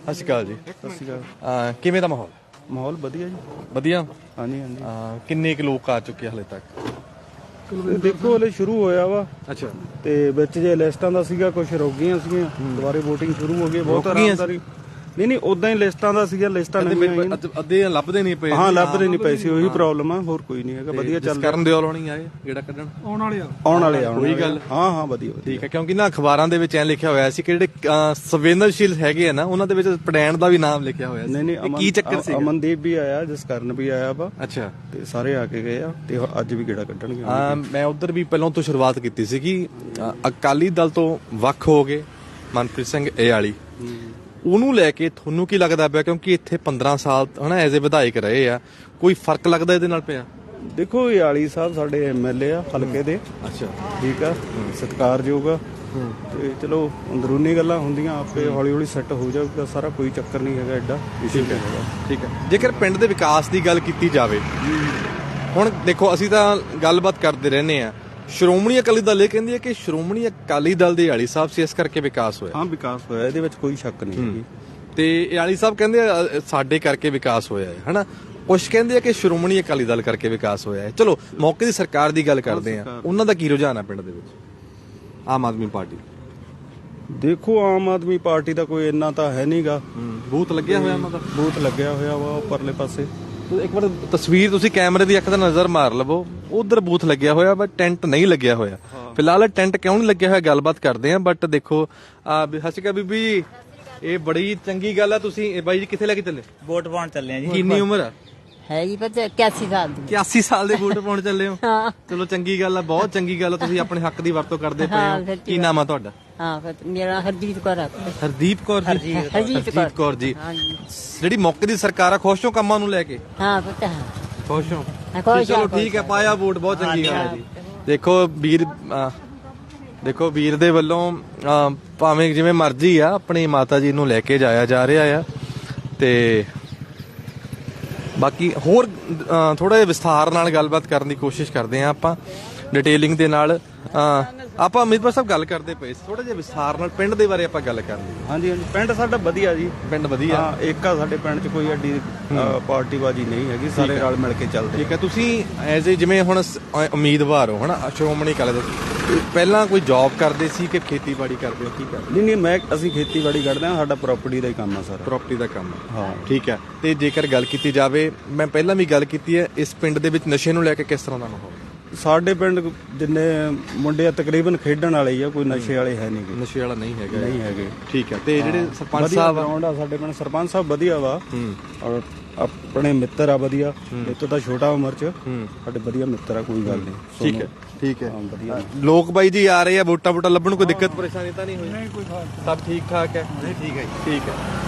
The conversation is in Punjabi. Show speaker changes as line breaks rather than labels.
ਸਤਿ ਸ਼੍ਰੀ ਅਕਾਲ ਜੀ।
ਸਤਿ ਸ਼੍ਰੀ ਅਕਾਲ।
ਕਿਵੇਂ ਦਾ ਮਾਹੌਲ?
ਮਾਹੌਲ ਵਧੀਆ ਜੀ।
ਵਧੀਆ।
ਹਾਂਜੀ ਹਾਂਜੀ।
ਕਿੰਨੇ ਕੁ ਲੋਕ ਆ ਚੁੱਕੇ ਹਲੇ ਤੱਕ?
ਦੇਖੋ ਹਲੇ ਸ਼ੁਰੂ ਹੋਇਆ ਵਾ
ਅੱਛਾ।
ਤੇ ਵਿੱਚ ਜੇ ਲਿਸਟਾਂ ਦਾ ਸੀਗਾ ਕੁਝ ਰੁਕ ਗਈਆਂ ਸੀਗੀਆਂ, ਦੁਬਾਰੇ VOTING ਸ਼ੁਰੂ ਹੋ ਗਈ। ਬਹੁਤ
ਰੁਕ ਗਈਆਂ
ਆਰਾਮਦਾਰੀ। ਨਹੀਂ ਉਦਾਂ ਹੀ ਲਿਸਟਾਂ ਦਾ ਸੀਗਾ, ਲਿਸਟਾਂ ਨਹੀਂ
ਅੱਧੇ ਲੱਭਦੇ ਨਹੀਂ ਪਏ।
ਹਾਂ ਲੱਭਦੇ ਨਹੀਂ ਪਏ ਸੀ, ਉਹੀ ਪ੍ਰੋਬਲਮ ਆ, ਹੋਰ ਕੋਈ ਨਹੀਂ ਹੈਗਾ। ਵਧੀਆ ਚੱਲ
ਕਰਨ ਦਿਓ ਲਾਉਣੀ ਆਏ ਜਿਹੜਾ ਕੱਢਣ
ਆਉਣ ਵਾਲੇ
ਕੋਈ ਗੱਲ।
ਹਾਂ ਵਧੀਆ
ਠੀਕ ਹੈ, ਕਿਉਂਕਿ ਨਾ ਅਖਬਾਰਾਂ ਦੇ ਵਿੱਚ ਐ ਲਿਖਿਆ ਹੋਇਆ ਸੀ ਕਿ ਜਿਹੜੇ ਸੰਵੇਦਨਸ਼ੀਲ ਹੈਗੇ ਆ ਨਾ ਉਹਨਾਂ ਦੇ ਵਿੱਚ ਪੜੈਣ ਦਾ ਵੀ ਨਾਮ ਲਿਖਿਆ ਹੋਇਆ ਸੀ।
ਨਹੀਂ
ਕੀ ਚੱਕਰ ਸੀ?
ਅਮਨਦੀਪ ਵੀ ਆਇਆ, ਜਸਕਰਨ ਵੀ ਆਇਆ ਵਾ।
ਅੱਛਾ।
ਤੇ ਸਾਰੇ ਆ ਕੇ ਗਏ ਆ ਤੇ ਅੱਜ ਵੀ ਗੇੜਾ ਕੱਢਣਗੇ।
ਮੈਂ ਉਧਰ ਵੀ ਪਹਿਲਾਂ ਤੋਂ ਸ਼ੁਰੂਆਤ ਕੀਤੀ ਸੀ ਕਿ ਅਕਾਲੀ ਦਲ ਤੋਂ ਵੱਖ ਹੋ ਗਏ ਮਨਪ੍ਰੀਤ ਸਿੰਘ ਏਆਲੀ, ਉਹਨੂੰ ਲੈ ਕੇ ਤੁਹਾਨੂੰ ਕੀ ਲੱਗਦਾ ਪਿਆ? ਕਿਉਂਕਿ ਇੱਥੇ 15 ਸਾਲ ਹਨਾ ਐਜ਼ ਏ ਵਿਧਾਇਕ ਰਹੇ ਆ, ਕੋਈ ਫਰਕ ਲੱਗਦਾ ਇਹਦੇ ਨਾਲ ਪਿਆ?
ਦੇਖੋ ਏਆਲੀ ਸਾਹਿਬ ਸਾਡੇ MLA ਆ ਹਲਕੇ ਦੇ।
ਅੱਛਾ।
ਠੀਕ ਆ, ਸਤਿਕਾਰਯੋਗ ਆ। ਤੇ ਚਲੋ ਅੰਦਰੂਨੀ ਗੱਲਾਂ ਹੁੰਦੀਆਂ, ਆਪੇ ਹੌਲੀ ਹੌਲੀ ਸੈੱਟ ਹੋ ਜਾਊਗਾ ਸਾਰਾ, ਕੋਈ ਚੱਕਰ ਨਹੀਂ ਹੈਗਾ ਐਡਾ ਇਸ਼ੂ ਹੈਗਾ।
ਠੀਕ ਹੈ। ਜੇਕਰ ਪਿੰਡ ਦੇ ਵਿਕਾਸ ਦੀ ਗੱਲ ਕੀਤੀ ਜਾਵੇ, ਹੁਣ ਦੇਖੋ ਅਸੀਂ ਤਾਂ ਗੱਲਬਾਤ ਕਰਦੇ ਰਹਿੰਦੇ ਆ, ਸ਼੍ਰੋਮਣੀ ਅਕਾਲੀ ਦਲ ਇਹ ਕਹਿੰਦੀ ਹੈ ਕਿ ਸ਼੍ਰੋਮਣੀ ਅਕਾਲੀ ਦਲ ਦੇ ਏਆਲੀ ਸਾਹਿਬ ਸੀ, ਇਸ ਕਰਕੇ ਵਿਕਾਸ ਹੋਇਆ।
ਹਾਂ ਵਿਕਾਸ ਹੋਇਆ, ਇਹਦੇ ਵਿੱਚ ਕੋਈ ਸ਼ੱਕ ਨਹੀਂ ਹੈਗੀ।
ਤੇ ਏਆਲੀ ਸਾਹਿਬ ਕਹਿੰਦੇ ਸਾਡੇ ਕਰਕੇ ਵਿਕਾਸ ਹੋਇਆ ਹੈ ਹਨਾ, ਕੁਛ ਕਹਿੰਦੇ ਆ ਕਿ ਸ਼੍ਰੋਮਣੀ ਅਕਾਲੀ ਦਲ ਕਰਕੇ ਵਿਕਾਸ ਹੋਇਆ ਹੈ। ਚਲੋ ਮੌਕੇ ਦੀ ਸਰਕਾਰ ਦੀ ਗੱਲ ਕਰਦੇ ਆ, ਉਹਨਾਂ ਦਾ ਕੀ ਰੁਝਾਨ ਹੈ ਪਿੰਡ ਦੇ ਵਿੱਚ? ਆਮ ਆਦਮੀ ਪਾਰਟੀ।
ਦੇਖੋ ਆਮ ਆਦਮੀ ਪਾਰਟੀ ਦਾ ਕੋਈ ਇੰਨਾ ਤਾਂ ਹੈ ਨਹੀਂਗਾ।
ਬੂਥ ਲੱਗਿਆ ਹੋਇਆ ਉਹਨਾਂ ਦਾ?
ਬੂਥ ਲੱਗਿਆ ਹੋਇਆ ਵਾ ਉੱਪਰਲੇ ਪਾਸੇ।
ਇੱਕ ਵਾਰ ਤਸਵੀਰ ਤੁਸੀਂ ਕੈਮਰੇ ਦੀ ਅੱਖ ਦਾ ਨਜ਼ਰ ਮਾਰ ਲਵੋ, ਉਧਰ ਬੂਥ ਲੱਗਿਆ ਹੋਇਆ ਬਟ ਟੈਂਟ ਨਹੀਂ ਲੱਗਿਆ ਹੋਇਆ। ਫਿਲਹਾਲ ਟੈਂਟ ਕਿਉਂ ਨਹੀਂ ਲੱਗਿਆ ਹੋਇਆ ਗੱਲਬਾਤ ਕਰਦੇ ਆ। ਬਟ ਦੇਖੋ ਸਤਿ ਸ਼੍ਰੀ ਅਕਾਲ ਬੀਬੀ ਜੀ, ਇਹ ਬੜੀ ਚੰਗੀ ਗੱਲ ਆ। ਤੁਸੀਂ ਬਾਈ ਜੀ ਕਿੱਥੇ ਲੈ ਕੇ ਚੱਲੇ?
ਵੋਟ ਪਾਉਣ ਚੱਲੇ ਆ ਜੀ।
ਕਿੰਨੀ ਉਮਰ ਆ?
ਹੈਗੀ ਪਤਾ 81 ਸਾਲ ਦੀ।
81 ਸਾਲ ਦੇ ਵੋਟ ਪਾਉਣ ਚੱਲੇ ਹੋ?
ਹਾਂ।
ਚਲੋ ਚੰਗੀ ਗੱਲ ਆ, ਬਹੁਤ ਚੰਗੀ ਗੱਲ ਆ, ਤੁਸੀਂ ਆਪਣੇ ਹੱਕ ਦੀ ਵਰਤੋਂ ਕਰਦੇ ਪਏ ਹੋ। ਕੀ ਨਾਮ ਆ ਤੁਹਾਡਾ?
ਹਾਂ ਮੇਰਾ ਹਰਜੀਤ ਕੌਰ ਆ।
ਹਰਦੀਪ ਕੌਰ ਜੀ।
ਹਰਜੀਤ
ਕੌਰ ਜੀ।
ਹਾਂਜੀ।
ਜਿਹੜੀ ਮੌਕੇ ਦੀ ਸਰਕਾਰ ਆ, ਖੁਸ਼ ਹੋ ਕੰਮਾਂ ਨੂੰ ਲੈ ਕੇ?
ਹਾਂ ਪਤਾ ਹੈ।
ਖੁਸ਼ ਹੋ?
ਖੁਸ਼
ਚਲੋ ਠੀਕ ਹੈ, ਪਾਇਆ ਵੋਟ, ਬਹੁਤ ਚੰਗੀ ਗੱਲ ਹੈ ਜੀ। ਦੇਖੋ ਵੀਰ ਦੇ ਵੱਲੋਂ ਭਾਵੇਂ ਜਿਵੇਂ ਮਰਜ਼ੀ ਆ ਆਪਣੀ ਮਾਤਾ ਜੀ ਨੂੰ ਲੈ ਕੇ ਜਾਇਆ ਜਾ ਰਿਹਾ ਆ। ਤੇ ਬਾਕੀ ਹੋਰ ਥੋੜਾ ਜਿਹਾ ਵਿਸਥਾਰ ਨਾਲ ਗੱਲਬਾਤ ਕਰਨ ਦੀ ਕੋਸ਼ਿਸ਼ ਕਰਦੇ ਆ ਆਪਾਂ, ਡਿਟੇਲਿੰਗ ਦੇ ਨਾਲ। ਆਪਾਂ ਅਮਿਤਪਾਲ ਸਾਹਿਬ ਗੱਲ ਕਰਦੇ ਪਏ ਸੀ, ਥੋੜਾ ਜਿਹਾ ਵਿਸਥਾਰ ਨਾਲ ਪਿੰਡ ਦੇ ਬਾਰੇ ਆਪਾਂ ਗੱਲ ਕਰਨੀ।
ਹਾਂਜੀ ਹਾਂਜੀ, ਪਿੰਡ ਸਾਡਾ ਵਧੀਆ ਜੀ।
ਪਿੰਡ ਵਧੀਆ।
ਹਾਂ, ਇੱਕ ਆ ਸਾਡੇ ਪਿੰਡ 'ਚ ਕੋਈ ਐਡੀ ਪਾਰਟੀਬਾਜ਼ੀ ਨਹੀਂ ਹੈਗੀ, ਸਾਰੇ ਰਲ ਮਿਲ ਕੇ ਚੱਲਦੇ।
ਠੀਕ ਹੈ। ਤੁਸੀਂ ਐਜ਼ ਏ ਜਿਵੇਂ ਹੁਣ ਉਮੀਦਵਾਰ ਹੋ ਹਨਾ ਸ਼੍ਰੋਮਣੀ ਅਕਾਲੀ ਦਲ, ਪਹਿਲਾਂ ਕੋਈ ਜੌਬ ਕਰਦੇ ਸੀ ਕਿ ਖੇਤੀਬਾੜੀ ਕਰਦੇ ਹੋ? ਕੀ ਕਰਦੇ?
ਨਹੀਂ ਅਸੀਂ ਖੇਤੀਬਾੜੀ ਕਰਦੇ ਹਾਂ, ਸਾਡਾ ਪ੍ਰਾਪਰਟੀ ਦਾ ਹੀ ਕੰਮ ਆ ਸਾਰਾ।
ਪ੍ਰਾਪਰਟੀ ਦਾ ਕੰਮ ਹੈ।
ਹਾਂ
ਠੀਕ ਹੈ। ਤੇ ਜੇਕਰ ਗੱਲ ਕੀਤੀ ਜਾਵੇ, ਮੈਂ ਪਹਿਲਾਂ ਵੀ ਗੱਲ ਕੀਤੀ ਹੈ, ਇਸ ਪਿੰਡ ਦੇ ਵਿੱਚ ਨਸ਼ੇ ਨੂੰ ਲੈ ਕੇ ਕਿਸ ਤਰ੍ਹਾਂ ਦਾ ਮਾਹੌਲ?
ਸਾਡੇ ਪਿੰਡ ਜਿੰਨੇ ਮੁੰਡੇ ਆ ਤਕਰੀਬਨ ਖੇਡਣ ਵਾਲੇ ਹੀ ਆ, ਕੋਈ ਨਸ਼ੇ ਵਾਲੇ ਹੈ ਨਹੀਂ।
ਨਸ਼ੇ ਵਾਲਾ ਨਹੀਂ ਹੈਗਾ?
ਨਹੀਂ ਹੈਗੇ।
ਠੀਕ ਹੈ। ਤੇ ਜਿਹੜੇ ਸਰਪੰਚ ਸਾਹਿਬ
ਆ ਸਾਡੇ ਪਿੰਡ, ਸਰਪੰਚ ਸਾਹਿਬ ਵਧੀਆ ਵਾ ਔਰ ਆਪਣੇ ਮਿੱਤਰ ਆ ਵਧੀਆ। ਇਹ ਤੋਂ ਤਾਂ ਛੋਟਾ ਉਮਰ 'ਚ ਸਾਡੇ ਵਧੀਆ ਮਿੱਤਰ ਆ, ਕੋਈ ਗੱਲ ਨਹੀਂ।
ਠੀਕ ਹੈ। ਠੀਕ ਹੈ।
ਵਧੀਆ।
ਲੋਕ ਬਾਈ ਜੀ ਆ ਰਹੇ ਆ, ਵੋਟਾਂ ਲੱਭਣ, ਕੋਈ ਦਿੱਕਤ ਪਰੇਸ਼ਾਨੀ ਤਾਂ ਨਹੀਂ ਹੋਈ? ਨਹੀਂ ਕੋਈ, ਸਭ ਠੀਕ ਠਾਕ ਹੈ?
ਠੀਕ ਹੈ ਜੀ।
ਠੀਕ ਹੈ।